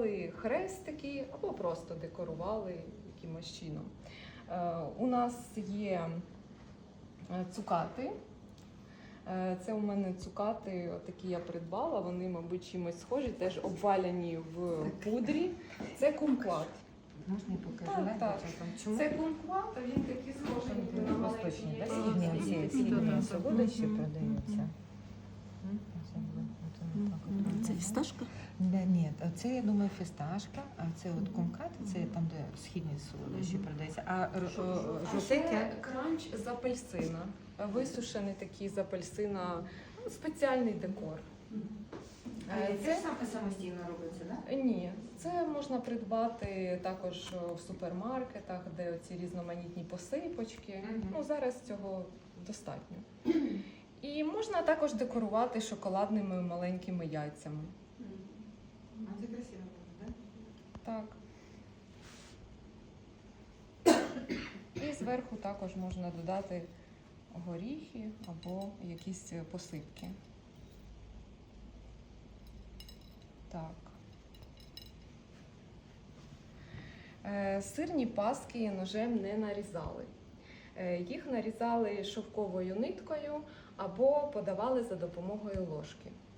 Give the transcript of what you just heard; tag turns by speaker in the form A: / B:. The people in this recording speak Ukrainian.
A: вирізали хрестики або просто декорували якимось чином. У нас є цукати. Це у мене цукати, такі я придбала, вони, мабуть, чимось схожі, теж обваляні в пудрі. Це кумкват.
B: Можна я покажу?
A: Так. Це кумкват, а він такий схожий на маленький.
B: Східні солодощі продаються.
C: Це фісташка?
B: Ні, це, я думаю, фісташка, а це от кумкат, це там, де східні солодощі продаються. А жовтеньке?
A: Це кранч з апельсина. Висушений такий з апельсина, спеціальний декор.
B: Це самостійно робиться, так?
A: Ні, це можна придбати також в супермаркетах, де оці різноманітні посипочки. Ну, зараз цього достатньо. І можна також декорувати шоколадними маленькими яйцями.
B: А це красиво буде, так?
A: Так. І зверху також можна додати горіхи або якісь посипки. Так. Сирні паски ножем не нарізали. Їх нарізали шовковою ниткою або подавали за допомогою ложки.